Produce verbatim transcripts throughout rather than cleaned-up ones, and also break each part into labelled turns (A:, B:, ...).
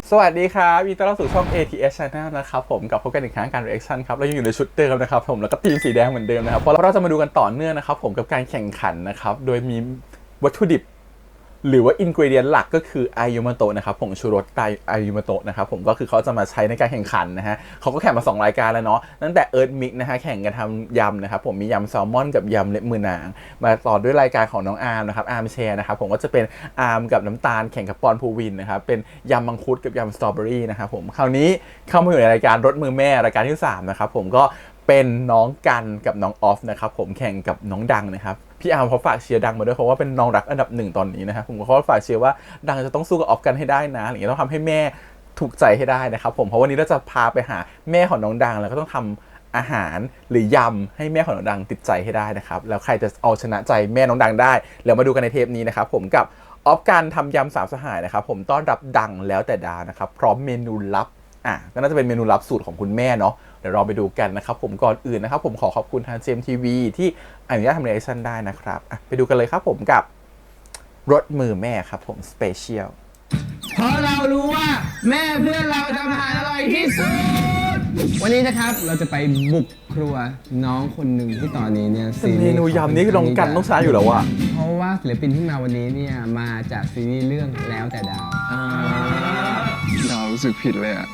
A: สวัสดีครับยินดีต้อนรับสู่ช่อง เอ ที เอส Channel นะครับผมกับพบกันอีกครั้งการ reaction ครับเรายังอยู่ในชุดเดิมนะครับผมแล้วก็ทีมสีแดงเหมือนเดิมนะครับเพราะเราจะมาดูกันต่อเนื่องนะครับผมกับการแข่งขันนะครับโดยมีวัตถุดิบหรือว่าอินกรีเดียนหลักก็คืออายุมาโตะนะครับผงชูรสไตอายุมาโตะนะครับผมก็คือเขาจะมาใช้ในการแข่งขันนะฮะเขาก็แข่งมาสองรายการแล้วเนาะตั้งแต่เอิร์ธมิกนะฮะแข่งกันทำยำนะครับผมมียำแซลมอนกับยำเล็บมือนางมาต่อด้วยรายการของน้องอาร์มนะครับอาร์มแชร์นะครับผมก็จะเป็นอาร์มกับน้ำตาลแข่งกับปอนภูวินนะครับเป็นยำมังคุดกับยำสตรอเบอรี่นะครับผมคราวนี้เข้ามาอยู่ในรายการรสมือแม่รายการที่สามนะครับผมก็เป็นน้องกันกับน้องออฟนะครับผมแข่งกับน้องดังนะครับพี่อาร์มเขาฝากเชียร์ดังมาด้วยเพราะว่าเป็นน้องรักอันดับหนึ่งตอนนี้นะครับผมก็ฝากเชียร์ว่าดังจะต้องสู้กับออฟกันให้ได้นะอะไรอย่างเงี้ยต้องทำให้แม่ถูกใจให้ได้นะครับผมเพราะวันนี้เราจะพาไปหาแม่ของน้องดังแล้วก็ต้องทำอาหารหรือยำให้แม่ของน้องดังติดใจให้ได้นะครับแล้วใครจะเอาชนะใจแม่น้องดังได้แล้วมาดูกันในเทปนี้นะครับผมกับออฟกันทำยำสามสหายนะครับผมต้อนรับดังแล้วแต่ดานะครับพร้อมเมนูลับอ่ะก็น่าจะเป็นเมนูลับสูตรของคุณแม่เนาะเดี๋ยวเราไปดูกันนะครับผมก่อนอื่นนะครับผมขอขอบคุณทาง เจ เอ็ม ที วี ที่อนุญาตทำเรีแอคชั่นได้นะครับอ่ะไปดูกันเลยครับผมกับรสมือแม่ครับผมสเปเชียล
B: เพราะเรารู้ว่าแม่เพื่อนเราทำอาหารอร่อยที่สุดวันนี้นะครับเราจะไปบุกครัวน้องคนหนึ่งที่ตอนนี้เนี่ยซีรีส์
A: เมนูยำนี้คือน้องกันต้องใช้อยู่แล้วอะ
B: เพราะว่าศิลปินที่มาวันนี้เนี่ยมาจากซีรีส์เรื่องแล้วแต่ดาว
C: ดาวรู้สึกผิดเลยอะ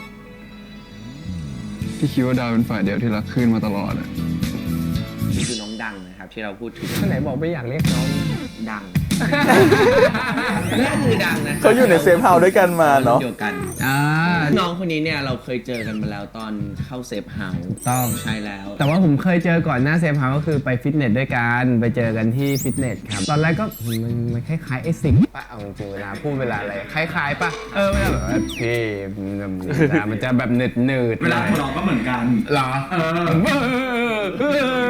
C: ที่คิดว่าดาวเป็นฝ่ายเดียวที่รักขึ้นมาตลอดอะ
D: นี่คือน้องดังนะครับที่เราพูดถึง
B: ท่านไหนบอกไม่อยากเรียกน้อง
D: ดังนั่นคือดังนะ
A: เขาอยู่ในเซฟเฮาส์ด้วยกันมาเนาะ
D: เดียวกันน้องคนนี้เนี่ยเราเคยเจอกันมาแล้วตอนเข้าเซฟเฮาส์
B: ต้อง
D: ใช่แล้ว
B: แต่ว่าผมเคยเจอก่อนหน้าเซฟเฮาส์ก็คือไปฟิตเนสด้วยกันไปเจอกันที่ฟิตเนสครับตอนแรกก็มันมันคล้ายๆไอ้สิงปะเอาจริงเวลาพูดเวลาอะไรคล้ายๆปะเออเวลาแบบพี่มันจะแบบเนืดเนืด
D: เวลาของเราก็เหมือนกัน
B: หรอเออ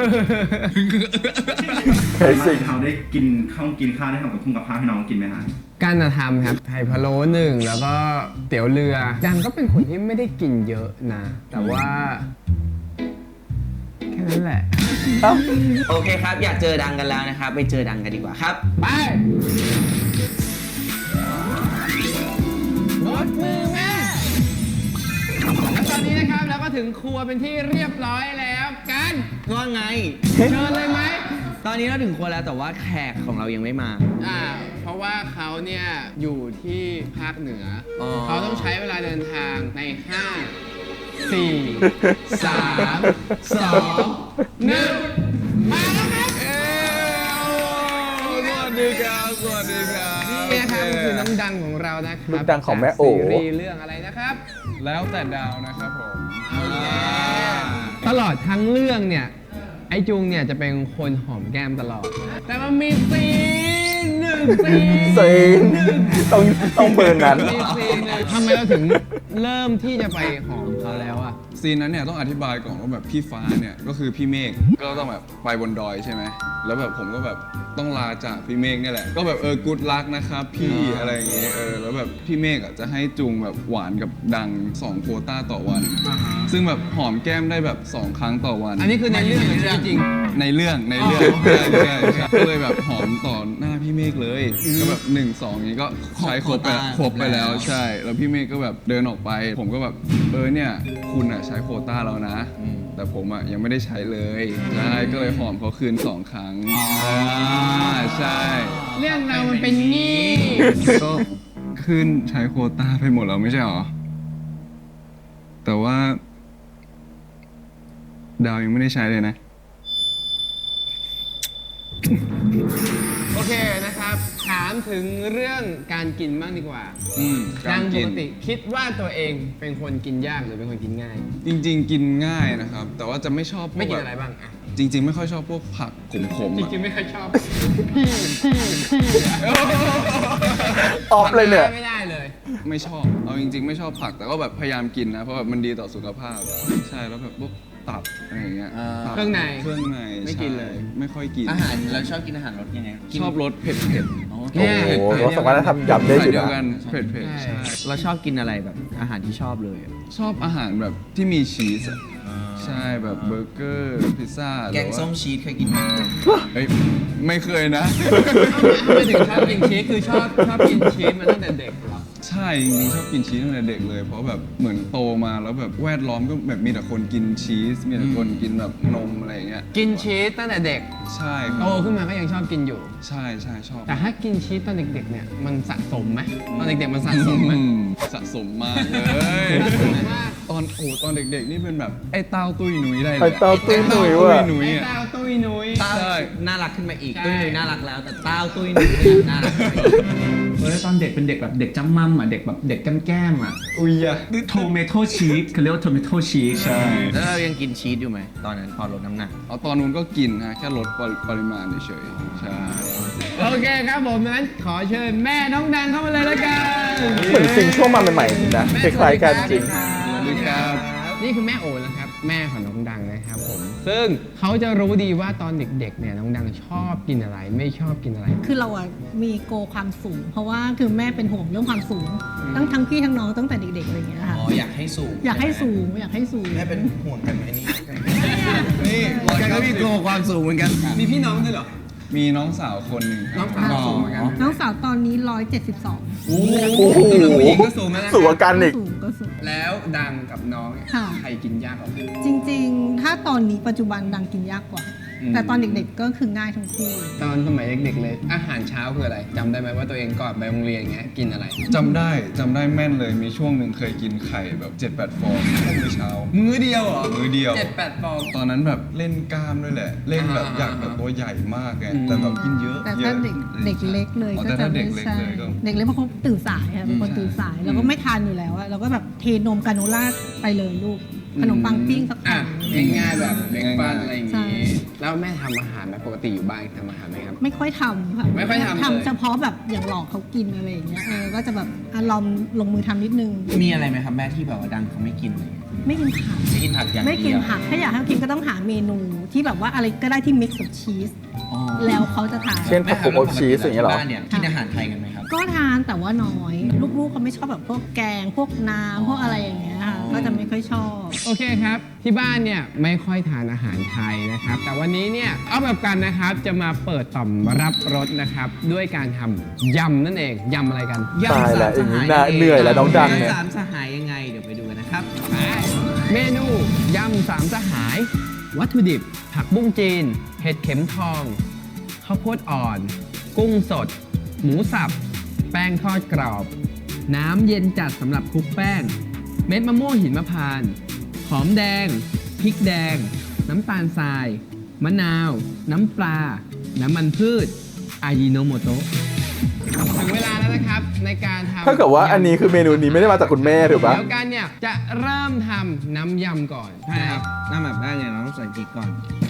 D: เคยสิเขาได้กินข้าวกินข้าวได้ทำกับคุ้งกับข้าวให้น้องกินไหมฮะ
B: การทำครับไข่พะโล้หนึ่งแล้วก็เตี๋ยวเรือดังก็เป็นคนที่ไม่ได้กินเยอะนะแต่ว่าแค่นั้นแหละ
D: โอเคครับอยากเจอดังกันแล้วนะครับไปเจอดังกันดีกว่าครับ
B: ไปรสมือแม่แล้วตอนนี้นะครับเราก็ถึงครัวเป็นที่เรียบร้อยแล้วกัน
D: ว่าไง
B: เชิญเลยไหม
D: ตอนนี้เราถึงครัวแล้วแต่ว่าแขกของเรายังไม่มา
B: อ่าเพราะว่าเขาเนี่ยอยู่ที่ภาคเหนือเขาต้องใช้เวลาเดินทางในห้า สี่ สาม สอง หนึ่งมาแล้วครับ
C: สวัสดีครับสวัสดีครับ
B: นี่นะครับคือน้องดังของเรานะครับ
A: น้องดังของแม่โอ๋
B: ซีรีส์เรื่องอะไรนะครับ
C: แล้วแต่ดาวนะครับผม
B: ตลอดทั้งเรื่องเนี่ยไอจุงเนี่ยจะเป็นคนหอมแก้มตลอดแต่มันมีซีนหนึ่งซีน
A: ซีนต้องต้องเบิร์นนั้น
B: มีซีนทำไมเราถึงเริ่มที่จะไปหอมเขาแล้วอะ
C: ซีนนั้นเนี่ยต้องอธิบายก่อนว่าแบบพี่ฟ้าเนี่ยก็คือพี่เมฆก็ต้องแบบไปบนดอยใช่ไหมแล้วแบบผมก็แบบต้องลาจากพี่เมฆเนี่ยแหละก็แบบเออกู๊ดลักนะครับพี่อะไรอย่างเงี้ยเออแล้วแบบพี่เมฆอ่ะจะให้จุงแบบหวานกับดังสองโควต้าต่อวันซึ่งแบบหอมแก้มได้แบบสองครั้งต่อวัน
B: อันนี้คือในเรื่องหรือจริง
C: ในเรื่องในเรื่องใช่ใช่ใช่ก็เลยแบบหอมต่อหน้าพี่เมฆเลยก็แบบหนึ่งสองนี้ก็ใช้ครบไปครบไปแล้วใช่แล้วพี่เมฆก็แบบเดินออกไปผมก็แบบเออเนี่ยคุณอ่ะใช้โควต้าแล้วนะแต่ผมอ่ะยังไม่ได้ใช้เลยใช่ก็เลยหอมเขาคืนสองครั้งใช่
B: เรื่องเรามันเป็นงี้
C: ก็ขึ้นใช้โควต้าไปหมดแล้วไม่ใช่หรอแต่ว่าดาวยังไม่ได้ใช้เลยนะ
B: โอเคนะครับถามถึงเรื่องการกินบ้างดีกว่า
C: ดั
B: งปกติคิดว่าตัวเองเป็นคนกินยากหรือเป็นคนกินง่าย
C: จริงๆกินง่ายนะครับแต่ว่าจะไม่ชอบ
B: ไม่กินอะไรบ้าง
C: จริงๆไม่ค่อยชอบพวกผักขมๆ
B: จริงๆไม่ค่อยชอบพี่พี่พี่
A: ออฟเลยเนี่ย
B: ไม่ได้เลย
C: ไม่ชอบเอาจริงๆไม่ชอบผักแต่ก็แบบพยายามกินนะเพราะแบบมันดีต่อสุขภาพใช่แล้วแบบพวกตับอะไรอย่างเงี้ย
B: เครื่องใน
C: เครื่องใน
B: ไม่กินเลย
C: ไม่ค่อยกิน
D: อาหารเราชอบกินอาหารรสยังไง
C: ชอบรสเผ็ดเผ็ด
A: โอ้โหเราสามารถทำยำได้
C: เดียวกันเผ็ดเผ็ดใช่
D: เราชอบกินอะไรแบบอาหารที่ชอบเลย
C: ชอบอาหารแบบที่มีชีสใช่แบบเบอร์เกอร์พิซซ่า
D: แกงส้มชีสเคยกินไหม
C: เฮ้ยไม่เคยนะ
B: ไม่ถึงชอบกินชีสคือชอบชอบกินชีสมาตั้งแต่เด็กหรอ
C: ใช่จริงๆชอบกินชีสตั้งแต่เด็กเลยเพราะแบบเหมือนโตมาแล้วแบบแวดล้อมก็แบบมีแต่คนกินชีสมีแต่คนกินแบบนมอะไรอย่างเงี้ย
B: กินชีสตั้งแต่เด็ก
C: ใช่ค
B: โต
C: รับ
B: ขึ้นมาก็ยังชอบกินอยู่
C: ใช่ใช่ชอบ
B: แต่ถ้ากินชีสตอนเด็กๆเนี่ยมันสะสมไหมตอนเด็กๆมันสะสมไหม
C: อืมสะสมมากเลย
B: สะสมมาก
C: ตอนโอ้ตอนเด็กๆนี่เป็นแบบไอ้เต้าตุ้ยหนุยได้เลย
A: ไอ้เต้าตุ้ยหนุยว่ะ
C: ไอ้เต้าตุ้ยหนุย
B: ไอ้
C: อะ
B: เต้าตุ้ยนุ้ย
D: เต้า
C: ใช่
D: น่ารักขึ้นมาอีก
B: ใช่
D: ตุ้ยนุ้ยน่ารักแล้วแต่เต้าตุ้ยนุ้ยเนี่ยน่ารักขึ้นมาอีก
E: เออตอนเด็กเป็นเด็กแบบเด็กจ้ำมั่มอ่ะเด็กแบบเด็กแก้มๆอ่ะ
C: อุ้ยอะ
E: โทเมโตชีสเขาเรียกว่าโทเมโตชีส
C: ใช่
D: แล้วเรายังกินชีสอยู่ไหมตอนนั้นพอลดน้ำหนัก
C: เอาตอนนู้นก็กินฮะแค่ลดปริปริมาณเฉยๆใช่
B: โอเคครับผมนั้นขอเชิญแม่น้องดังเข้ามาเลยแล้วกัน
A: เหมือนซิงช่วงมาใหม่ๆจริงนะคล้ายๆกันจริง
C: สวัสดีครับ
B: นี่คือแม่โอนะครับแม่ของน้องดังนะครับผมซึ่งเขาจะรู้ดีว่าตอนเด็กๆเนี่ยน้องดังชอบกินอะไรไม่ชอบกินอะไร
F: คือเราอะมีโกความสูง เพราะว่าคือแม่เป็นห่วงเรื่องความสูงตั้งทั้งพี่ทั้งน้องตั้งแต่เด็กๆอะไรอย่างเงี้ยค่ะ
D: อ๋ออยากให้สูง
F: อยากให้สูงอยากให้สูง
D: แม่เป็นห่วงกันไหมนี่
C: นี่
D: กันก็มีโกความสูงเหมือนกัน
B: มีพี่น้องด้วยเหรอ
C: มีน้องสาวคนหนึ่งครับ
B: น้องสาวสูงเหมือนกัน
F: น้องสาวตอนนี้ร้อยเจ็ดสิบสอง
B: โอ้โห
A: โอ้โห
B: สำหรับผู้หญิงก็สูงแล้วนะ
A: สูงกว่ากันอีก
F: สูงก็สูง
B: แล้วดังกับน้องเนี่ย
F: ค่ะ
B: ใครกินยากกว่ากัน
F: จริงๆ ถ้าตอนนี้ปัจจุบันดังกินยากกว่า แต่ตอนเด็กๆก็คือง่ายทั้งคู่
B: ตอนสมัยเด็กๆเลย อาหารเช้าคืออะไรจำได้ไหมว่าตัวเองก่อนไปโรงเรียนอย่างเงี้ยกินอะไร
C: จำได้จำได้แม่นเลยมีช่วงหนึ่งเคยกินไข่แบบเจ็ดแปดฟองมื้อเช้า
B: มื้อเดียวเหรอ
C: มื้อเดียว
B: เจ็ดแปดฟอง
C: ตอนนั้นแบบเล่นกล้ามด้วยแหละ เล่นแบบ
B: อ่า
C: อยากแบบตัวใหญ่มากไง
B: อืม
C: แต่แบบกินเยอะ
F: แต่
C: เย
F: ถ้า
C: อะ
F: เด็กเด็กเล็กเลย
C: อ๋อ
F: ก็
C: แต่
F: จะ
C: ถ้าเด็
F: ไม่
C: กเล็ก
F: ใช่
C: เลยก็
F: เด็กเล็กเพราะเขาตื่นสายค่ะเป็นคนตื่นสายแล้วก็ไม่ทานอยู่แล้วอะเราก็แบบเทนมกาโนล่าไปเลยลูกขนมปังปิ้งสัก
B: อ่ะ
F: แผ่น
B: ง่ายๆแบบเบรกฟาสต์อะไรอย่าง
F: ใช่
B: งี้แล้วแม่ทำอาหารไหมปกติอยู่บ้านทำอาหารไหมครับ
F: ไม่ค่อยทำค่ะ
B: ไม่ค่อยทำเลย
F: ทำเฉพาะแบบอย่างหลอกเขากินอะไรอย่างเงี้ยเออก็จะแบบอ่ะลองลงมือทำนิดนึง
D: มีอะไรไหมครับแม่ที่แบบว่าดังเขาไม่กินเลย
F: ไม่กินผัก
D: ไม่กินผักอย่างเดียว
F: ไม่กินผักถ้าอยากให้เขากินก็ต้องหาเมนูที่แบบว่าอะไรก็ได้ที่ mix กับชีส
D: อ๋อ
F: แล้วเขาจะทาน
A: เช่นผักโขมอบชีสอย่างเงี้ยเหรอ
D: บ้านเนี่ยกินอาหารไทยกันไหมครับ
F: ก็ทานแต่ว่าน้อย ลูกๆเขาไม่ชอบแบบพวกแกง พวกน้ำพวกอะไรอย่างเงี้ยค่ะก็จะไม่ค่อยชอบ
B: โอเคครับ ที่บ้านเนี่ยไม่ค่อยทานอาหารไทยนะครับ แต่วันนี้เนี่ยเอาแบบกันนะครับจะมาเปิดต่อมรับรสนะครับ ด้วยการทำยำนั่นเองยำอะไรกัน
A: ตายแล้วอย่างนี้น่าเหนื่อยแล้วน้องดังเนี่ย
D: สามสหายยังไงเดี๋ยวไปดูกันนะครับ
B: เมนูยำสามสหาย วัตถุดิบ ผักบุ้งจีน เห็ดเข็มทอง ข้าวโพดอ่อน กุ้งสด หมูสับ แป้งทอดกรอบ น้ำเย็นจัดสำหรับคลุกแป้ง เม็ดมะม่วงหินมะพร้านต์หอมแดง พริกแดง น้ำตาลทราย มะนาว น้ำปลา น้ำมันพืช อายิโนโมโตะถึงเวลาแล้วนะครับในการทำ
A: ถ้าเกิดว่าอันนี้คือเมนูนี้ไม่ได้มาจากคุณแม่ถูกปะ
B: เดี๋ยวกันเนี่ยจะเริ่มทำน้ำยำก่อน
D: ใช่ครับหน้าแบบแรกเนี่ยเราต้องใส่พริกก่อน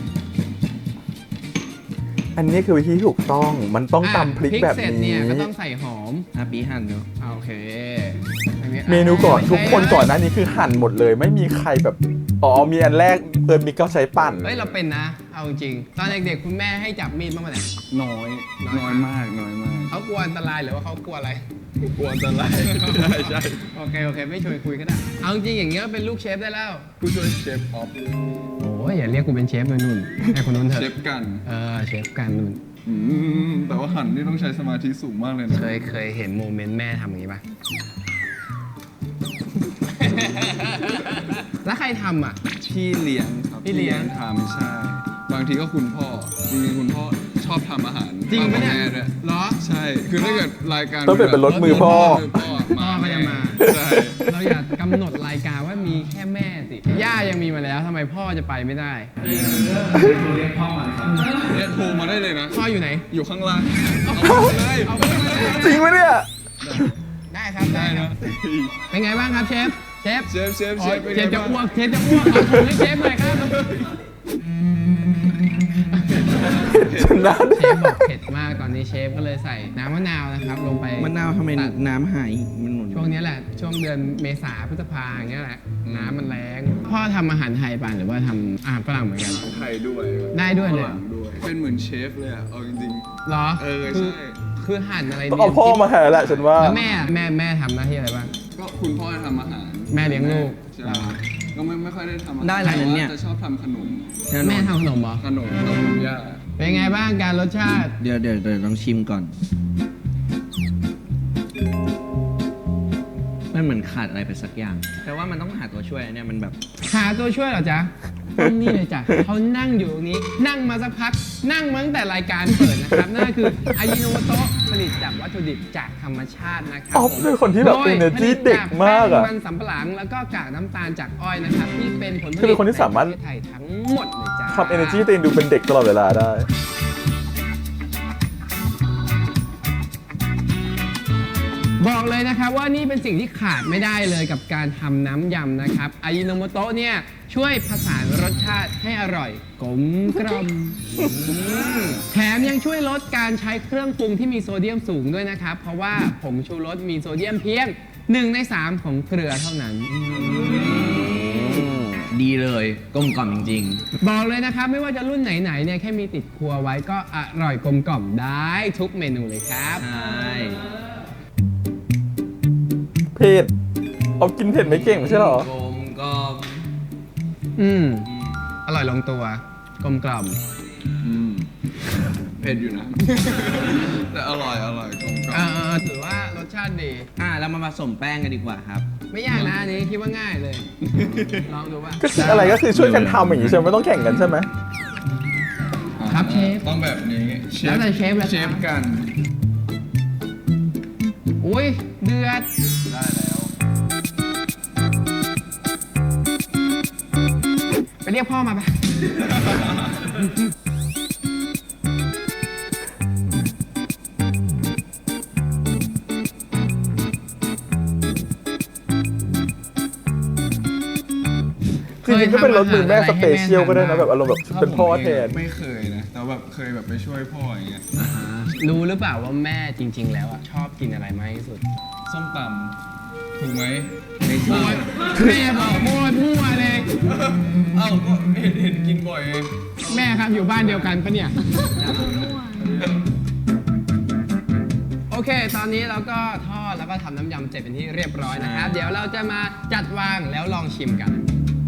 A: อันนี้คือวิธีที่ถูกต้องมันต้องตำพริกแบบ
B: เสร็จ
A: นี้
B: เนี่ยก็ต้องใส่หอม
D: อาปีหั่นเนาะ
B: โอเคอันนี้
A: เมนูก่อน
B: ใส่
A: ทุกคนก่อนหน้านี้คือหั่นหมดเลย ไม่มีใครแบบอ๋อมีอันแรกเอิร์นมิกก็ใช้ปั่น
B: เฮ้ยเราเป็นนะ เอาจริงตอนเด็กๆคุณแม่ให้จับมีดบ้างไหมเนี่ย
C: น้อย
B: น้อย
C: น้อยมากน้อยมาก
B: เขากลัวอันตรายหรือว่าเขากลัวอะไร
C: กลัวอันตรายใช่ใช่
B: โอเคโอเคไม่ชวนคุยก็ได้เอาจริงอย่างเงี้ยก็เป็นลูกเชฟได้แล้ว
C: ผู้ช่วยเชฟออฟ
B: โอ้ยอย่าเรียกกูเป็นเชฟเลยนุ่นให้คนนู้นเถ
C: เช
B: อะ
C: ฟกัน
B: เออเชฟกันนุ่น
C: อืมแต่ว่าหั่นนี่ต้องใช้สมาธิสูงมากเลยนะ
B: เคยเคยเห็นโมเมนต์แม่ทำอย่างนี้ปะ แล้วใครทำอ่ะ
C: พี่เลี้ยงครับ
B: พี่เลี้ยง
C: ทำใช่ บางทีก็คุณพ่อจริงๆคุณพ่อชอบทำอาหาร
B: จริงปะเนี่ย
C: มากกว่าแม่ด้วย
B: เหรอ
C: ใช่ คือถ้าเกิดรายการ
A: ต้องเปลี่ยนเป็นรถมือพ่อ
C: มือพ่อ
B: พ่อก็จะมา
C: ใช่
B: เราอยากกำหนดรายการว่ามีแค่แม่สิ ย่ายังมีมาแล้วทำไมพ่อจะไปไม่ได้
E: เรียกพ่อมาครับ
C: เนี่ยโทรมาได้เลยนะ
B: พ่ออยู่ไหน
C: อยู่ข้างล่าง เอาไปเลย
B: เอาไปเลย
A: จริงไหมเนี่ย
B: ได้ครับได้
C: ได้
B: ครั
C: นะ
B: บ เป็นไงบ้างครับเชฟ เชฟ
C: เชฟเชฟ
B: อ๋
C: เช
B: อ
C: ฟเป็น
B: เช
C: ไง
B: ฟจะ
C: บ้าง
B: อ้วก เชฟจะอ้วกเอาถุงให้เชฟหน่อยครับ
A: ชนะ
B: เชฟบอกเผ็ดมากตอนนี้เชฟก็เลยใส่น้ำมะนาวนะครับ ลงไป
D: มะนาวทำไม
B: ตัด
D: น้ำหายมันหนุน
B: ช่วงนี้แหละ ช่วงเดือนเมษาพฤษภาอย่างเงี้ยแหละ น้ำมันแรงพ่อทำอาหารไทยป่ะหรือว่าทำอาหารฝรั่งเหมือนกัน
C: ไทยด้วย
B: ได้ด้วยเลย
C: ฝรั่งด้วย เป็นเหมือนเชฟเลยอะเอาจริง
B: เหรอ
C: เออ
B: คือ
C: ใช่
B: คือหั่นอะไร
A: ต้องเอาพ่อมาแทนแหละฉันว่า
B: แล้วแม่แม่แม่ทำหน้าที่อะไรบ้าง
C: ๆ ก็คุณพ่อจะทำอาหาร
B: แม่เลี้ยงลูก
C: ใช่ก็ไม่ไม่ค่อยได้ทำอาหาร
D: ได้อะไรนั้นเนี่ย
C: แต่ว่าจะชอบทำขนม
B: แม่ทำขนมเหรอ
C: ขนมขนมย่า
B: เป็นไงบ้างการรสชาติ
D: เดี๋ยวเดี๋ยวเดี๋ยวลองชิมก่อนมันเหมือนขาดอะไรไปสักอย่างแต่ว่ามันต้องหาตัวช่วยเนี่ยมันแบบ
B: หาตัวช่วยเหรอจ๊ะต้องนี่เลยจ้ะเขานั่งอยู่ตรงนี้ นั่งมาสักพัก นั่งมาตั้งแต่รายการเปิดนะครับ นั่นก็คืออายิโนโมโตะผลิตจากวัตถุดิบจากธรรมชาตินะครั
A: อ๊อฟเป็นคนที่แบบ
B: โดย
A: energy
B: ผลิต
A: เด็กมากอะ
B: แป้งมันสำปะหลังแล้วก็กากน้ำตาลจากอ้อยนะครับ ที่เป็นผลผลิต
A: คือเป็นคนที่สามารถ
B: ในประเทศไทยทั้งหมดเลยจ้า
A: ทำ energy ตัวเองดูเป็นเด็กตลอดเวลาได้
B: บอกเลยนะครับว่านี่เป็นสิ่งที่ขาดไม่ได้เลยกับการทำน้ำยำนะครับอายิโนโมโตะเนี่ยช่วยผสานรสชาติให้อร่อยกลมกล่อมแถมยังช่วยลดการใช้เครื่องปรุงที่มีโซเดียมสูงด้วยนะครับ เพราะว่าผงชูรสมีโซเดียมเพียงหนึ่งในสามของเกลือเท่านั้น
D: ดีเลยกลมกล่อมจริง
B: บอกเลยนะครับไม่ว่าจะรุ่นไหนๆเนี่ยแค่มีติดครัวไว้ก็อร่อยกลมกล่อมได้ทุกเมนูเลยครับ
D: ๆ ใช่
A: เผ็ดเอากินเผ็ดไม่เก่งไม่ใช่เหรอ
D: กลมกล่อม
B: อืมอร่อยลงตัวกลมกล่อม
C: อืมเผ็ดอยู่นะ แต่อร่อยอร่อยกลมกล่อ
B: เอ
C: ม
B: อถือว่ารสชาติดี
D: อ่ะเรามาผสมแป้งกันดีกว่าครับ
B: ไม่ยากนะอันนี้คิดว่าง่ายเลย ลองดูว่า
A: ก็คืออะไรก็คือช่วยกันทำอย่างนี้ใช่ไหมไม่ต้องแข่งกันใช่ไหม
B: ครับเชฟ
C: ต้องแบบนี้
B: แล้วแต่เชฟเลยครับ
C: เชฟกัน
B: อุ้ยเดือด
C: ได้แล้ว
B: ไปเรียกพ่อมาปะ
A: จริงๆก็เป็นรสมือแม่สเปเชียลก็ได้นะแบบอารมณ์แบบเป็นพ่อแทน
C: ไม่เคยนะ แต่แบบเคยแบบไปช่วยพ่ออย่างเงี้ย
B: อ่าฮะรู้หรือเปล่าว่าแม่จริง ๆ แล้วอ่ะชอบกินอะไรมากที่สุด
C: ส้มตำถูกไหม
D: ไม่ใช่
B: แม่บอกมั่วมั่วเลย
C: เอ้าก็เห็นเห็นกินบ่อยไง
B: แม่ครับอยู่บ้านเดียวกันปะเนี่ย โอเค ตอนนี้เราก็ทอดแล้วก็ทำน้ำยำเสร็จเป็นที่เรียบร้อยนะครับ เดี๋ยวเราจะมาจัดวางแล้วลองชิมกัน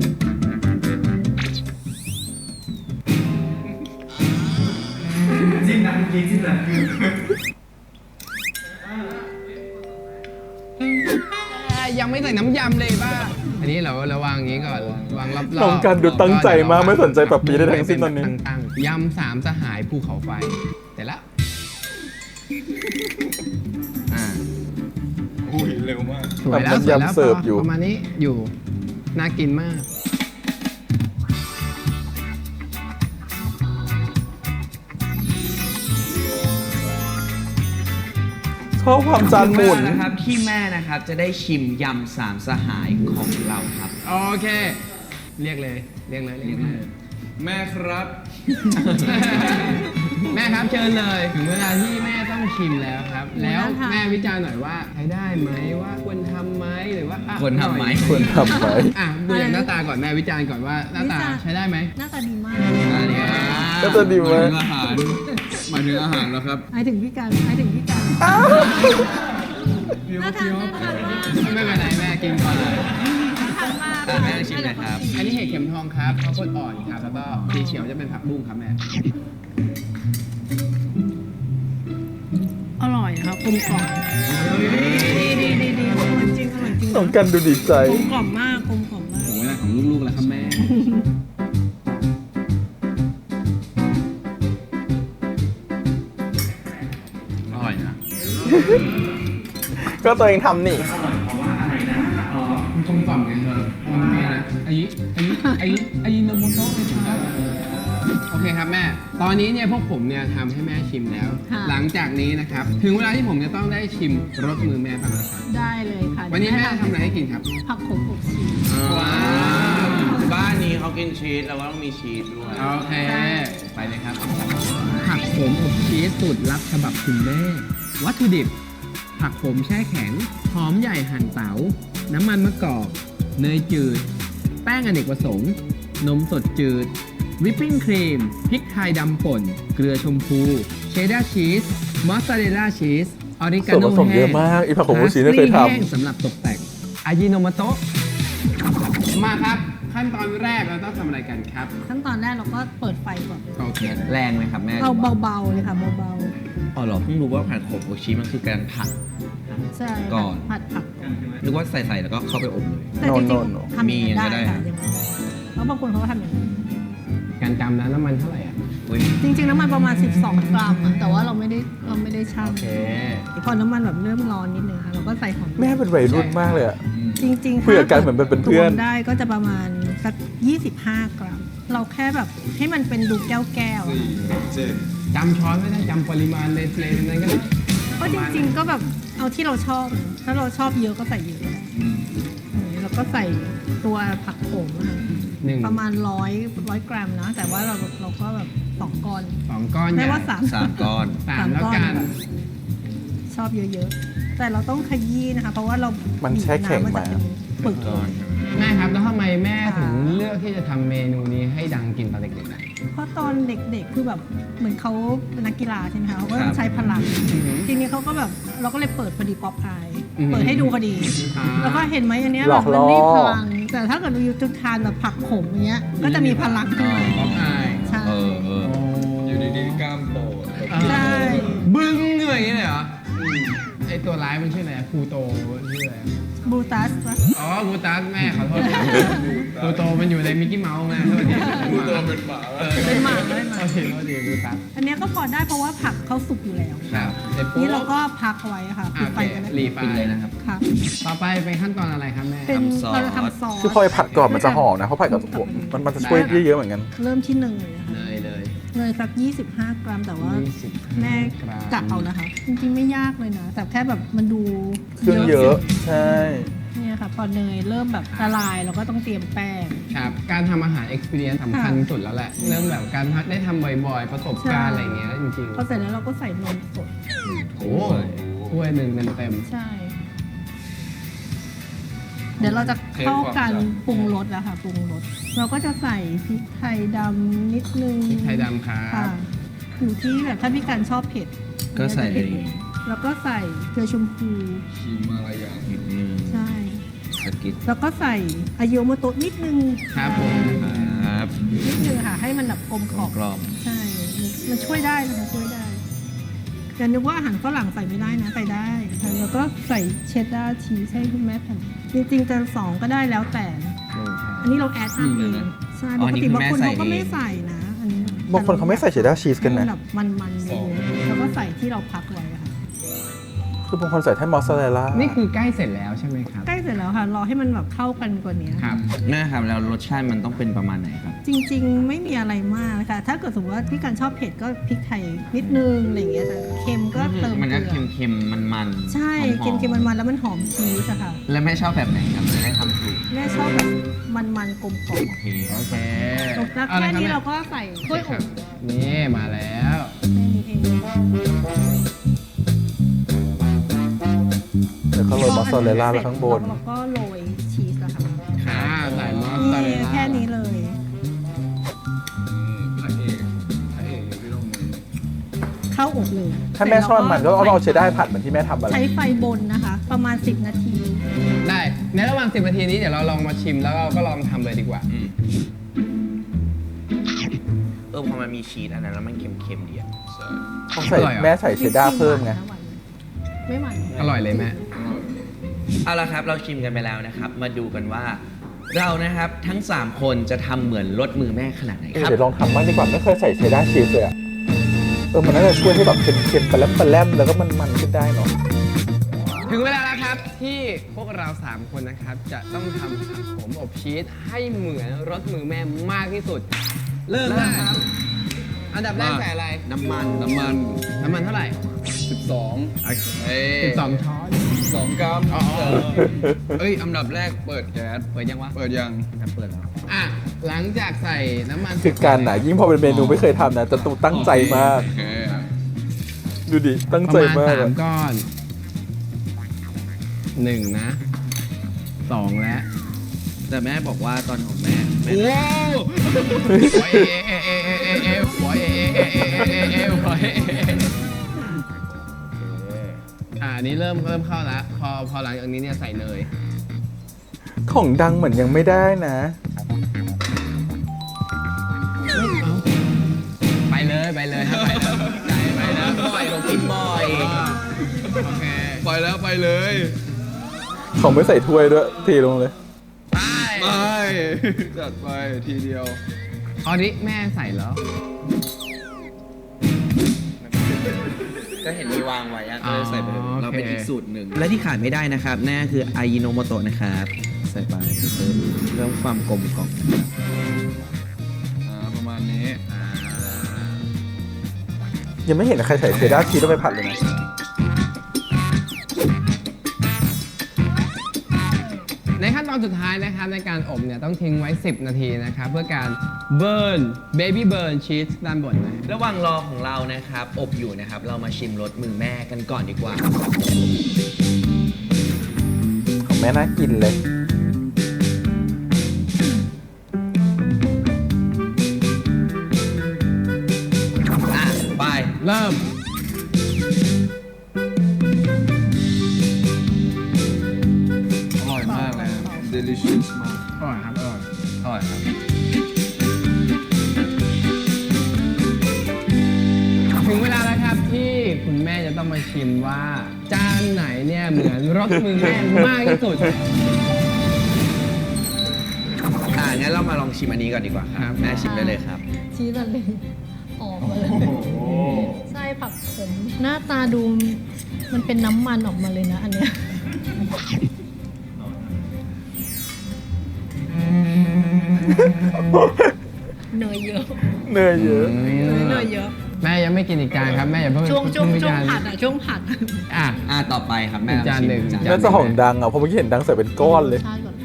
B: ยังไม่ใส่น้ำยำเลยป้าอันนี้เราเราวางอย่างนี้ก่อน วางรอบๆ
A: น้องกันดูตั้งใจมากไม่สนใจปรับปีได้ทั้งสิ้นตอนนี้
B: ตั้งๆยำสามสหายภูเขาไฟเสร็จแล้ว
D: อ่า
C: อุ้ยเร็วมาก
B: สวยแล้ว
A: น้ำ
B: สวยแล้ว
A: ยำเสิร์ฟอยู่
B: ประมาณนี้อยู่ น่ากินมาก
A: ชอบความจานหมุน
D: นะครับที่แม่นะครับจะได้ชิมยำสามสหายของเราครับ
B: โอเค เรียกเลย เรียกเลยเรียกเลย
C: แม่ครับ
B: แม่ครับเชิญเลย ถึงเวลาที่แม่ต้องชิมแล้วครับ แล้วแม่วิจารณ์หน่อยว่าใช้ได้ไหมว่าควรทำไหมหรือว่าอ่ะ
D: ควรทำไหม
B: น่อย
A: ควรทำไหม
B: อ่ะดูอย่างหน้าตาก่อนแม่วิจารณ์ก่อนว่าหน้าตาใช้ได้ไหม
F: หน้าตาดีมาก
B: อันนี้
A: ก็จะดี
C: ห
A: ไหม
C: มายถึงอาหารหมายถึงอาหารแล้วครับ
F: หมายถึงพี่กันหมายถึงพี่กันน่าทานน่าทานมาก
B: ไม่เป็นไรแม่กินก่อนเลย
F: น่าทานมาก
D: อ่ะแม่ชิมเลยครับ
B: อันนี้เห็ดเข็มทองครับข้าวโพดอ่อนครับแล้วก็สีเขียวจะเป็นผักบุ้งครับแม่
F: อร่อยครับกลมกล่อมดีดีดีดีอร่อยจริงอร่อยจริง
A: น้องกันดูดีใจ
F: กลมกล่อมมากกลมกล่อมมาก
B: โอ้ยของลูกๆแล้วครับแม่
D: อร่อยนะ
A: ก็ตัวเองทำนี่
B: อ๋อมันกลมกล่อมไงเธอมันไงนะอายิอายิอายิอายิโนโมโตะไม่ใช่โอเคครับแม่ ตอนนี้เนี่ยพวกผมเนี่ยทำให้แม่ชิมแล้ว
F: ค่ะ
B: หลังจากนี้นะครับ ถึงเวลาที่ผมจะต้องได้ชิมรสมือแม่บ้างแล้วครับ
F: ได้เลยค่ะ
B: วันนี้แม่ทำอะไรให้กินครับ
F: ผักขมอบชีส
B: ว้าว
D: บ้านนี้เขากินชีสเราก็ต้องมีชีสด้วย
B: โอเค ไปเลยครับ ผักโขมอบชีสสูตรลับฉบับคุณแม่ วัตถุดิบ ผักโขมแช่แข็ง หอมใหญ่หั่นเต๋า น้ำมันมะกอก เนยจืด แป้งอเนกประสงค์ นมสดจืด วิปปิ้งครีม พริกไทยดำป่น เกลือชมพู เชดดาร์ชีส มอสซาเรลล่าชีส ออริกา
A: ส่วน
B: โน
A: ผสมเย
B: แห้
A: อะ
B: ง
A: มากอีผักโขมบูชีไม่เคยท
B: พาสลีแห้งสำหรับตกแต่งอายิโนโมโตะมาครับ ขั้นตอนแรกเราต้องทำอะไรกันครับ
F: ขั้นตอนแรกเราก็เปิดไฟก่อน
B: โอเค
D: แรงไหมครับแม่
F: เอาเบาๆเลยค่ะเบา
D: อ๋อเหรอเพิ่งรู้ว่าผัดโขมโอชิมันคือการผัด
F: ๆใช่
D: ก่อน
F: ผัดผักก่อน
D: นึกว่าใส่ใส่แล้วก็เข้าไปอบเลย
F: แต่จริง
A: No, no, no.
F: ๆทำอย่างนี้
D: มี
F: ได้
D: อย่างนั้นก็ได้
F: ค่ะอย่างนั้นแล้วบางคนเขาก็ทำอย่างนี้
B: การจำนะน้ำมันเท่าไหร่อ่ะ
D: อุ้ย
F: จริงๆน้ำมันประมาณ สิบสอง กรัมอะแต่ว่าเราไม่ได้เราไม่ได้ชั่ง
B: โอเค
F: พอน้ำมันแบบเริ่มร้อนนิดนึงค่ะเราก็ใส่หอม
A: แม่เป็นวัยรุ่นมากเลยอะ
F: จริงๆ
A: คุยกับกันเหมือนเป็นเพื่อน
F: ตวงได้ก็จะประมาณสักยี่สิบห้ากรัม เราแค่แบบให้มันเป็นดูแก้วแก้วๆอะค่ะ
B: จำช้อนไม่ได้จำปริมาณในในนั้นก็ได้
F: ก็จริงๆก็แบบเอาที่เราชอบ ถ้าเราชอบเยอะก็ใส่เยอะแล้วก็ใส่ตัวผักโขมอะค่ะ
B: หนึ่ง
F: ประมาณร้อยร้อยกรัมนะ แต่ว่าเราเราก็แบบสองก้อน
B: สองก้อน
F: ไม่
B: ใหญ่
F: ว่าสาม
D: สามก้อน
B: สามแล้วกัน
F: ชอบเยอะๆ แต่เราต้องขยี้นะคะ เพราะว่าเรา
A: มันแช่แข็ง
F: บีบน้ำน
A: มา
F: จะเป็นปึก
D: ก้อน
B: แม่ครับแล้วทำไมแม่
F: ค่ะ
B: ถึงเลือกที่จะทำเมนูนี้ให้ดังกินตอนเด็กๆอะ
F: เพราะตอนเด็กๆ คือแบบเหมือนเขาเป็นนักกีฬาใช่ไหมคะเขาก็
D: ครั
F: ต้อบ งใช้พลัง ทีนี้เขาก็แบบเราก็เลยเปิดพอดีป๊อปอาย เปิดให้ดูพอดี
B: อ่า
F: แล้วก็เห็นไหมอันเนี้ย
A: หล
F: แบ
A: อบ ก
F: มัน
A: ล่อ
F: มีพลัง แต่ถ้าเกิดเราอยู่จุดทานแบบผักขมอย่างเงี้ย ก็จะมีพลังขึ้นมา
B: ป๊อปอาย
F: ใช่
D: เออเออ
C: อยู่ดีๆกล้ามโต
F: ใช่
B: บึ้งขึ้นมาอย่างนี้เลยเหรอไอตัวร้ายมันชื่ออะไรอะพลูโตชื่ออะไรอะ
F: บลูตัสปะ
B: อ๋อพลูตัสแม่ขอโทษพลูโตมันอยู่ในมิกกี้เมาส์แม่โทษที
C: พูดตัวเป็นหมา
F: เป็นหมากเลยห
B: โท
F: มา
B: ษทีโทษทีพลูตัส
F: อันเนี้ยก็พอได้เพราะว่าผักเขาสุกอยู่แล้ว
B: ครับเสร็จปุ๊บ
F: นี่เราก็พักเอาไว้ค่ะปิดไฟกัน
B: โอ
F: นะ
B: เครีไฟ
D: ปิดเลยนะครับ
F: ค่ะ
B: ต่อไปเป็นขั้นตอนอะไรครับแม่
F: เป็น
D: ทำซอส
F: เราจะทำซอส
A: คือพอไปผัดก่อนมันจะหอมนะเพราะผัดกับถั่วมันมันจะช่วยเยอะๆเหมือนกัน
F: เริ่มที่หนึ่งเลยนะคะ
B: เนยเลย
F: เนยสักยี่สิบห้ากรัม แต่ว่า
B: ยี่สิบห้า
F: แม่
B: กรัม
F: กะเอานะคะ จริงๆไม่ยากเลยนะ แต่แค่แบบมันดู
A: เครื่องเยอะ ใช่
F: เนี่ยค่ะพอเนยเริ่มแบบละลายเราก็ต้องเตรียมแป้ง
B: ครับ การทำอาหาร experience สำคัญ
F: ค่ะ
B: สุดแล้วแหละ เรื่องแบบการได้ทำบ่อยๆ ประสบการณ์อะไรอย่างเงี้ยจริง
F: พอเสร็จแล้วเราก็ใส่นมสด
B: ๆ โอ้ถ้วยหนึ่งเต็ม
F: ใช่ เดี๋ยวเราจะเข้ากันปรุงรสแล้วค่ะปรุงรสเราก็จะใส่พริกไทยดำนิดนึง
B: ๆพริกไทยดำครั
F: ค่ะ
B: บ
F: อยู่ที่แบบถ้าพี่การชอบเผ็ด
D: ก็ใส่เลย
F: แล้วก็ใส่เกลือชมพู
C: ชิมอะไรอย่าง
D: อืม
F: ใช่
D: สกิด
F: แล้วก็ใส่อายุโมโตะนิดนึง
B: ครับผม
D: ครับ
F: นิดนึงค่ะ ให้มันแบบกลมกล่อม
D: กรอบ
F: ใช่ มันช่วยได้นะคะช่วยได้อย่านึกว่าอาหารฝรั่งใส่ไม่ได้นะใส่ได้ค่ะแล้วก็ใส่เชดดาร์ชีสให้คุณแม่แผ่นจริงๆจะสองก็ได้แล้วแต่ อันนี้เราแอดทำเองใช่ปกติบางคนเขาก็ไม่ใส่นะอันนี้
A: บางคนเขาไม่ใส่เชดดาร์ชีสกันนะ
F: ให้แบบมันๆเลยแล้วก็ใส่ที่เราพักไว้อะค่ะ
A: คือบางคนใส่แค่มอสซาเรลล่า
B: นี่คือใกล้เสร็จแล้วใช่ไหมครับ
F: ใกล้เสร็จแล้วค่ะ รอให้มันแบบเข้ากันกว่านี้
B: ครับ
D: แม่ครับแล้วรสชาติมันต้องเป็นประมาณไหนครับ
F: จริงๆ ไม่มีอะไรมากนะคะถ้าเกิดสมมติว่าพี่การชอบเผ็ดก็พริกไทยนิดนึงอะไรอย่างเงี้ยแต่เค็มก็เติม
D: มัน
F: เก
D: ก็
F: ลือ
D: เค็มๆ มันๆ
F: ใช่
D: หอ
F: เค็มๆมันๆแล้วมันหอมชีสอะค่ะ
D: แล้วแม่ชอบแบบไหนครับจะได้ทำถูก
F: แม่ชอบแบบมันๆกลมกล่อม
D: โอเค
B: โอเค
F: แล้ว
B: เอา
F: แค่
B: ละรับ
F: นี้
B: แม่
F: เราก็ใส่ถ้วย
B: ค
F: อ
B: รับบ นี่มาแล้ว
F: แค่นี้เอง
A: เดี๋ยวเขาโรยมอสซาเรลล่าไปข้างบน
F: แล้วก็โรยชีสอะค่ะ
B: อ่าใส่มอสซาเรล
F: นี่
B: ล่า
F: แค่นี้เลย
C: พระเอกพระเอกพี่ต้องมือ
F: เข้าอบเลย
A: ถ้าแม่ชอบมันก็เอาเชดดาร์ผัดเหมือนที่แม่ทำอะไร
F: ใช้ไฟบนนะคะ ประมาณ สิบ นาที
B: ได้ ในระหว่างสิบนาทีนี้เดี๋ยวเราลองมาชิมแล้วเราก็ลองทำเลยดีกว่า
D: อืมเออพอมันมีชีสอันนั้นแล้วมันเค็มๆดีอะ
A: เขาใส่
B: อร่อยเหรอ
A: แม่ใส่เชดดาร์เพิ่มไง
F: ไม่หวาน
B: อร่อยเลยแม่
D: เอาละครับเราชิมกันไปแล้วนะครับ มาดูกันว่า เรานะครับทั้ง สาม คนจะทำเหมือนรสมือแม่ขนาดไหน
A: เออ
D: ครับ
A: เดี๋ยวลองทำบ้างดีกว่าไม่เคยใส่เชดดาร์ชีสเลยอะเออมันน่าจะช่วยให้แบบเค็มๆปลาแรมปลาแรมแล้วก็มันๆขึ้นได้เนาะ
B: ถึงเวลาแล้วครับที่พวกเราสามคนนะครับ จะต้องทำผักโขมอบชีสให้เหมือนรสมือแม่มากที่สุด เริ่มนะครับ อันดับแรกใส่อะไร
D: น้ำมัน
C: น้ำมัน
B: น้ำมันเท่าไหร่
C: สิบสองเอ้ย
B: สิบสองช้อน
C: สองกรัม
B: อ๋อ
C: เอ้ยอันดับแรกเปิดแก๊ส
B: เปิดยังวะ
C: เปิดยัง
D: เปิดแล้ว
B: อ่ะ หลังจากใส่น้ำมัน
A: คือการน่ะยิ่งพอเป็นเมนูไม่เคยทำนะจะต้องตั้งใจมาก
C: โอเค
A: ดูดิ ตั้ง
B: ประ
A: ใจ
B: มาณ
A: มาก
B: สาม
A: อะ
B: ก้อนหนึ่งนะสองแล้ว
D: แต่แม่บอกว่าตอนของแม่แม่
B: โอ้หัวเอเอเอเอเอเอหัวเอเอเอเอเอเอหัวเอเออ่าอันนี้เริ่มเริ่มเข้าแล้วพอพอหลังจากนี้เนี่ยใส่เนย
A: ของดังเหมือนยังไม่ได้นะ
B: ไปเลยไปเลยครับไปเลยใจไปนะ
D: บ่อยผมกินบ่อย
B: โอเค
C: ไฟแล้วไปเลย
A: เขาไม่ใส่ถ้วยด้วยทีลงเลย
C: ไปจัดไปทีเดียว
B: ออริแม่ใส่แล้ว
D: ก็เห็นมีวางไว้อะก็เลยใส่ไปเลย
B: อ๋อ
D: เราเป็น
B: โอเค
D: อีกสูตรหนึ่ง และที่ขาดไม่ได้นะครับนั่นก็คืออายิโนโมโตะนะครับ ใส่ไปเพิ่มเพิ่มความกลมกล่อมนะครับ
C: อ่าประมาณนี้
A: ยังไม่เห็นใครใส่เชดดาร์ชีสลงไปผัดเลยนะ
B: ในขั้นตอนสุดท้ายนะครับในการอบเนี่ยต้องทิ้งไว้ สิบ นาทีนะครับเพื่อการเบิร์นเบบี้เบิร์นชีสด้านบนนะ
D: ระหว่างรอของเรานะครับ อบอยู่นะครับ เรามาชิมรสมือแม่กันก่อนดีกว่า
A: ของแม่น่ากินเลย
D: อ่ะ ไป
B: เริ่ม
C: อร่อยมากเลยครับ delicious มาก
B: อร่อยครับอร่อย
C: อร่อยครับ
B: ถึงเวลาแล้วครับที่คุณแม่จะต้องมาชิมว่า จานไหนเนี่ยเหมือนรสมือแม่มากที่สุด
D: อ่างั้นเรามาลองชิมอันนี้ก่อนดีกว่าค
B: ครั
D: รับ
B: บ
D: แม่ชิมได้เลยครับ
F: ชีสอะไรออกมาเลยไส้ผักขมหน้าตาดูมันเป็นน้ำมันออกมาเลยนะอันเนี้ยเนยเยอะ
A: เนยเยอะ
F: เนยเยอะ
B: แม่ยังไม่กินอีกจานครับแม่อย่าเพิ่ง
F: ช่วงช่วง
B: เพิ่
F: ช่วง
B: จาน
F: ผัดอ่ะช่วงผัด
B: อ่ะ
D: อ่าต่อไปครับแม่
B: อีกจานหนึ่ง
D: ลอชิม
A: น่าจะของดังอ่ะเพราะเมื่อกี้เห็นดังใส่เป็นก้อนเลย
F: ใช่ก่อน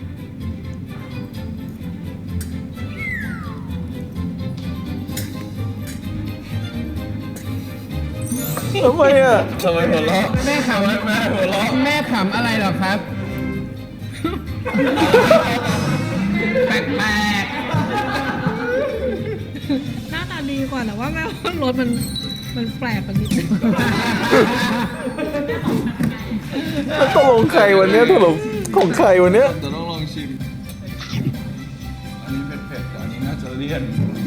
A: ทำไมอ่ะ
C: ทำไมหัวเราะ
B: แม่ขำแม่หัวเราะแม่ขำอะไรเหรอครับ
D: แปลก
F: หน้าตาดีกว่าแต่ว่าแม่ว่ารสมันมันแปลกกว่านิดนึง
A: แล้วตกลงใครวันเนี้ยตกลงของใครวันเนี้ย
C: จะต้องลองชิม อันนี้เผ็ดๆแต่อันนี้น่าจะเลี่ยน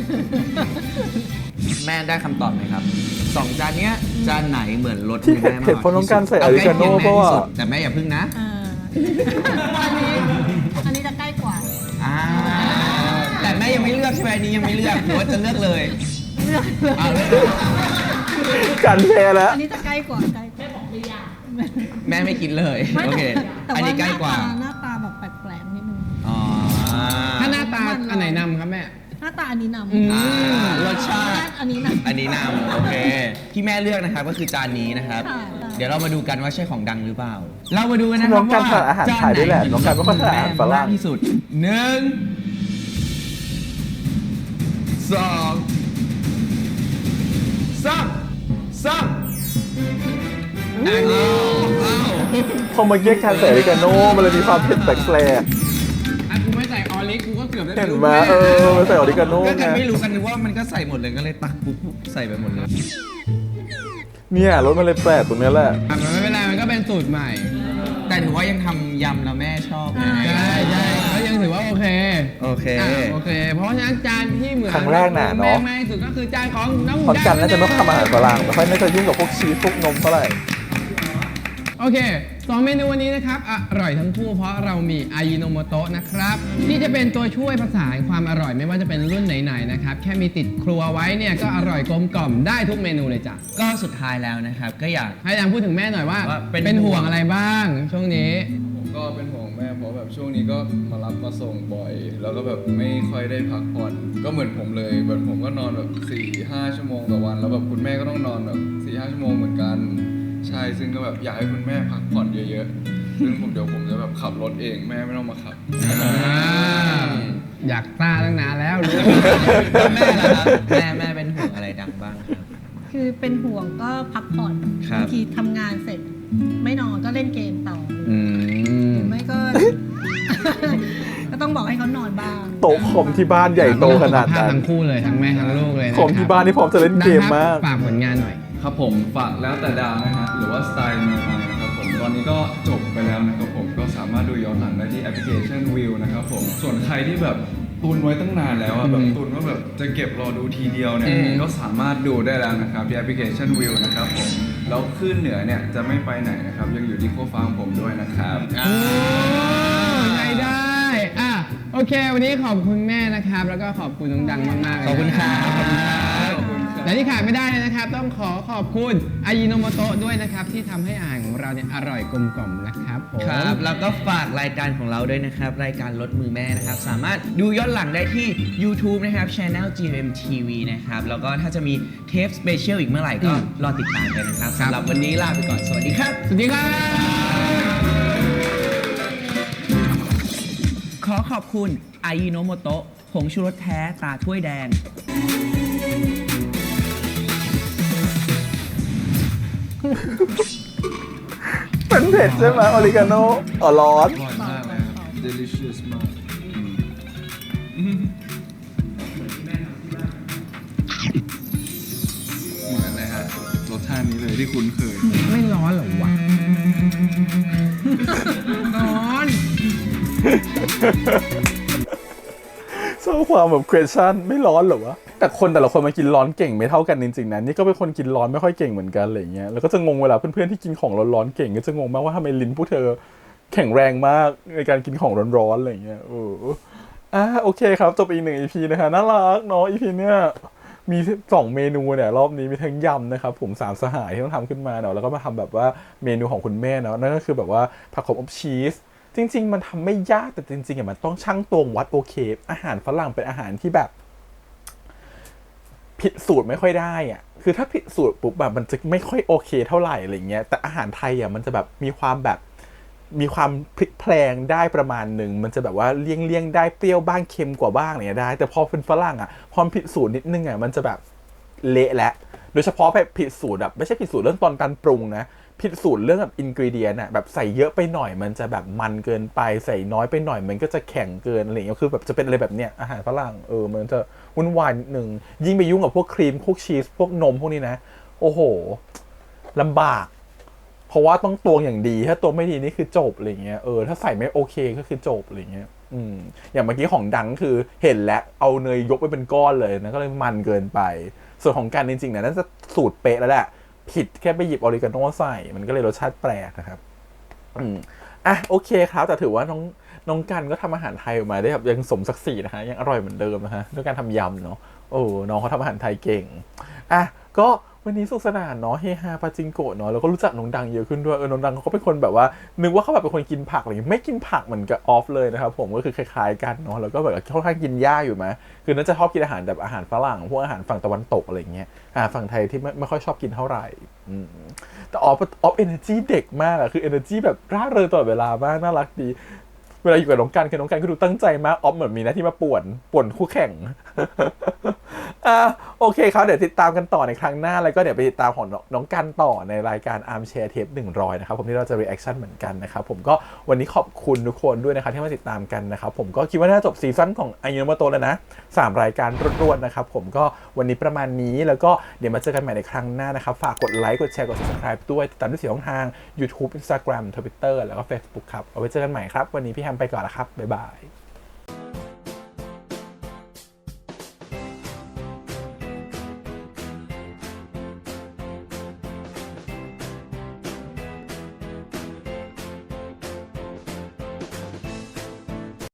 D: ๆแม่ได้คำตอบไหมครับสองจานเนี้ยจานไหนเหมือนรส
A: ที่
D: มือแม่มาก
A: เผ็ดเพราะน้องการใส่อาริกาโน่
D: เอใกล้
A: เพราะว่า
D: เคียงแม่ที่สุดแต่แม่อย่าพึ่งนะ
F: อ่าอันนี้อันนี้จะใกล้กว่า
D: อ่าแต่แม่ยังไม่เลือกใช่ไหมอันนี้ยังไม่เลือกหรือว่าจะเลือกเลย
F: เลือก
D: เอาเลย
A: การแพ้แล้ว
F: อันนี้จะใกล้กว่าใกล้แม่บอกหรือยัง
D: แม่ไม่คิดเลย
F: ไม่
D: โอ
F: แต่
D: เค
F: แต่
D: อัน
F: ว่า
D: นี้
F: ห
D: ใกล้
F: น้าก
D: ว่า
F: ตาหน้าตาแบบแปลกๆนิดนึง
D: อ๋อ
B: ถ้าหน้าตาอันไหนนำครับแม่
F: หน้าตาอันนี้น
B: อืม
F: ำ
D: อ่ารสชาติ
F: อันนี้นำ
D: อันนี้นำโอเค ที่แม่เลือกนะครับก็คือจานนี้นะครับ
F: ค่ะ
D: เดี๋ยวเรามาดูกันว่าใช่ของดังหรือเปล่า เรามาดูกันนะค
A: น้
D: รั
A: อบ งการ
D: ว่า
A: ทานอาหารไทยด้วยแหละน้องการไม่ค่อยทานอาหารฝรั่ง
D: มากที่สุดหนึ่งสองสามสามอันนี้อ้าว
A: พอมาเยี่ยการใส่อาริกาโน่มันเลยมีความเผ็ดแปลก
B: อ่ะกูไม่ใส่ออริกกูก็เกือบได้
A: ๆเห็น
B: ลูก
A: ไหม
B: แ
A: เออมันใส่อาริกาโน่
D: ก็
A: ไง
D: กันไม่รู้กันนึกว่ามันก็ใส่หมดเลยก็เลยตักปุ๊บใส่ไปหมดเลย
A: เนี่ยรสมันเลยแปลกตรงเนี้ยแหละ
B: อ่ะมันไม่เป็นไรมันก็เป็นสูตรใหม่
D: แต่ถือว่ายังทำยำแล้วแม่ชอบนะ
B: ใช่ใช่ก็ยังถือว่าโอเค
D: โอเค
B: อ่ะโอเค เพราะฉะนั้นจานที่เหมือน
A: ครั้งแรกน่ะเนอะ
B: แม่มากที่สุดก็คือจานของน้อง
A: เพราะกันน่าจะไม่ค่อยทำอาหารฝรั่งไม่ค่อยน่าจะยุ่งกับพวกชีสพวกนมเท่าไหร่
B: โอเคสองเมนูวันนี้นะครับอร่อยทั้งคู่เพราะเรามีอายิโนโมโตะนะครับที่จะเป็นตัวช่วยผสานความอร่อยไม่ว่าจะเป็นรุ่นไหนๆนะครับแค่มีติดครัวไว้เนี่ยก็อร่อยกลมกล่อมได้ทุกเมนูเลยจ้ะ
D: ก็สุดท้ายแล้วนะครับ ก็อยาก
B: ให้ดังพูดถึงแม่หน่อยว่า
D: ว่าเป็น
B: เป็นห่วงอะไรบ้างช่วงนี้
C: ผมก็เป็นห่วงแม่เพราะแบบช่วงนี้ก็มารับมาส่งบ่อย แล้วก็แบบไม่ค่อยได้พักผ่อนก็เหมือนผมเลยแบบผมก็นอนแบบสี่ห้าชั่วโมงต่อวัน แล้วแบบคุณแม่ก็ต้องนอนแบบสี่ห้าชั่วโมงเหมือนกันใช่ซึ่งก็แบบอยากให้คุณแม่พักผ่อนเยอะๆซึ่งผมเดี๋ยวผมจะแบบขับรถเองแม่ไม่ต้องมาขับ
B: อยากต้าตั้งนานแล้วรู้
D: แล้วแม่ล่ะครับแม่แม่เป็นห่วงอะไรดังบ้างครับ
F: คือเป็นห่วงก็พักผ่อน
D: ครับ
F: บางทีทำงานเสร็จ ไม่นอนก็เล่นเกมต่อ
B: อืม
F: หรือไม่ก็ ก็ต้องบอกให้เขานอนบ้าง
A: โต๊ะคอมที่บ้านใหญ่โตขนาดนั้น
B: ทั้งคู่เลยทั้งแม่ทั้งลูกเลยนะ
A: คอมที่บ้านนี่พร้อมจะเล่นเกมมาก
B: ฝากผลงานหน่อย
C: ครับผมฝากแล้วแต่ดาวนะฮะหรือว่าสไตล์เมืองไทยนะครับผมตอนนี้ก็จบไปแล้วนะครับผมก็สามารถดูย้อนหลังได้ที่แอปพลิเคชันวิวนะครับผมส่วนใครที่แบบตุนไว้ตั้งนานแล้วอะแบบตุนว่าแบบจะเก็บรอดูทีเดียวเนี่ย
D: อืม
C: ก็สามารถดูได้แล้วนะครับที่แอปพลิเคชันวิวนะครับผมแล้วขึ้นเหนือเนี่ยจะไม่ไปไหนนะครับยังอยู่ที่โคฟาของผมด้วยนะครับ
B: โอ้ใช้ได้อ่ะโอเค วันนี้ขอบคุณแม่นะครับ แล้วก็ขอบคุณน้องดังมากๆเลย
D: ขอบคุณครับ
B: และที่ขาดไม่ได้เลยนะครับ ต้องขอขอบคุณอายิโนโมโตะด้วยนะครับ ที่ทำให้อาหารของเราเนี่ยอร่อยกลมกล่อมนะครับผม
D: ครับ แล้วก็ฝากรายการของเราด้วยนะครับ รายการรถมือแม่นะครับ สามารถดูย้อนหลังได้ที่ YouTube นะครับ Channel จี เอ็ม ที วี นะครับ แล้วก็ถ้าจะมีเทปสเปเชียลอีกเมื่อไหร่ก็รอติดตามกันนะครับ
B: ครับ
D: สำหรับวันนี้ลาไปก่อน สวัสดีครับ
B: สวัสดีครับ
D: ขอขอบคุณอายิโนโมโตะผงชูรสแท้ตาถ้วยแดง
A: เป็นเผ็ดใช่ไหมออริกาโนอ๋อร้อน
C: อร่อยมากเลยครับ delicious มากเหมือนเลยฮะรสชาตินี้เลยที่คุ้นเคย
B: ไม่ร้อนเหรอวะ ร้อน
A: ชอบความแบบ question ไม่ร้อนเหรอวะ แต่คนแต่ละคนมากินร้อนเก่งไม่เท่ากันจริงๆนะนี่ก็เป็นคนกินร้อนไม่ค่อยเก่งเหมือนกันอะไรเงี้ยแล้วก็จะงงเวลาเพื่อนๆที่กินของร้อนๆเก่งก็จะงงมากว่าทำไมลิ้นพวกเธอแข็งแรงมากในการกินของร้อนๆอะไรเงี้ยเอออ่ะโอเคครับจบอีกหนึ่ง อี พี นะคะน่ารักเนาะ อี พี เนี้ยมีสองเมนูเนี่ยรอบนี้มีทั้งยำนะครับผมสามสหายที่ต้องทำขึ้นมาเนาะแล้วก็มาทำแบบว่าเมนูของคุณแม่เนาะนั่นก็คือแบบว่าผักขมอบชีสจริงๆมันทำไม่ยากแต่จริงๆอ่ะมันต้องชั่งตวงวัดโอเคอาหารฝรั่งเป็นอาหารที่แบบผิดสูตรไม่ค่อยได้อ่ะคือถ้าผิดสูตรปุ๊บแบบมันจะไม่ค่อยโอเคเท่าไหร่อะไรเงี้ยแต่อาหารไทยอ่ะมันจะแบบมีความแบบมีความพลิกแพลงได้ประมาณหนึ่งมันจะแบบว่าเลี่ยงเลี่ยงได้เปรี้ยวบ้างเค็มกว่าบ้างอะไรเงี้ยได้แต่พอเป็นฝรั่งอ่ะพอผิดสูตรนิดนึงอ่ะมันจะแบบเละและโดยเฉพาะแบบผิดสูตรแบบไม่ใช่ผิดสูตรเรื่องตอนการปรุงนะผิดสูตรเรื่องแบบอินกรีเดียนอะแบบใส่เยอะไปหน่อยมันจะแบบมันเกินไปใส่น้อยไปหน่อยมันก็จะแข็งเกินอะไรอย่างเงี้ยคือแบบจะเป็นอะไรแบบเนี้ยอาหารฝรั่งเออมันจะวุ่นวายนิดนึงยิ่งไปยุ่งกับพวกครีมพวกชีสพวกนมพวกนี้นะโอ้โหลำบากเพราะว่าต้องตวงอย่างดีถ้าตวงไม่ดีนี่คือจบอะไรเงี้ยเออถ้าใส่ไม่โอเคก็คือจบอะไรเงี้ยอืมอย่างเมื่อกี้ของดังคือเห็นแล้วเอาเนยยกไปเป็นก้อนเลยนะก็เลยมันเกินไปส่วนของการจริงๆเนี่ยน่าจะสูตรเป๊ะแล้วแหละผิดแค่ไปหยิบออริกาโนใส่มันก็เลยรสชาติแปลกนะครับอืมอ่ะโอเคครับแต่ถือว่าน้องน้องกันก็ทำอาหารไทยออกมาได้แบบยังสมศักดิ์ศรีนะฮะยังอร่อยเหมือนเดิมนะฮะด้วยการทำยำเนาะโอ้น้องเขาทำอาหารไทยเก่งอ่ะก็วันนี้สุขสนานเนาะเฮฮาปาจิงโกะเนาะแล้วก็รู้จักน้องดังเยอะขึ้นด้วยเออน้องดังเขาก็เป็นคนแบบว่านึกว่าเขาแบบเป็นคนกินผักอะไรอย่างงี้ไม่กินผักเหมือนกับออฟเลยนะครับผมก็คือคล้ายๆกันเนาะแล้วก็แบบค่อนข้างกินหญ้าอยู่ไหมคือน่าจะชอบกินอาหารแบบอาหารฝรั่งพวกอาหารฝั่งตะวันตกอะไรอย่างเงี้ยอาหารฝั่งไทยที่ไม่ไม่ค่อยชอบกินเท่าไหร่อืมแต่ออฟออฟเอเนอร์จีเด็กมากอะคือเอเนอร์จีแบบร่าเริงตลอดเวลามากน่ารักดีเวลาอยู่กับน้องกันคือน้องกันก็ดูตั้งใจมากออฟเหมือนมีหน้าที่มาป่วนป่วนคู่แข่ง อ่าโอเคครับเดี๋ยวติดตามกันต่อในครั้งหน้าแล้วก็เดี๋ยวไปติดตามของน้องกันต่อในรายการ Armchair Tape หนึ่งร้อยนะครับผมที่เราจะ reaction เหมือนกันนะครับผมก็วันนี้ขอบคุณทุกคนด้วยนะครับที่มาติดตามกันนะครับผมก็คิดว่าน่าจะจบซีซั่นของอายุโนโมโตะแล้วนะสามรายการรวดๆนะครับผมก็วันนี้ประมาณนี้แล้วก็เดี๋ยวมาเจอกันใหม่ในครั้งหน้านะครับฝากกดไลค์กดแชร์กด subscribe ด้วยติดตามด้วยสี่ช่องทาง YouTube Instagram Twitter แล้วก็ Facebook ครับเอาไว้เจอกันใหม่ครับวันนี้พี่แฮมไปก่อนแล้วครับบ๊ายบาย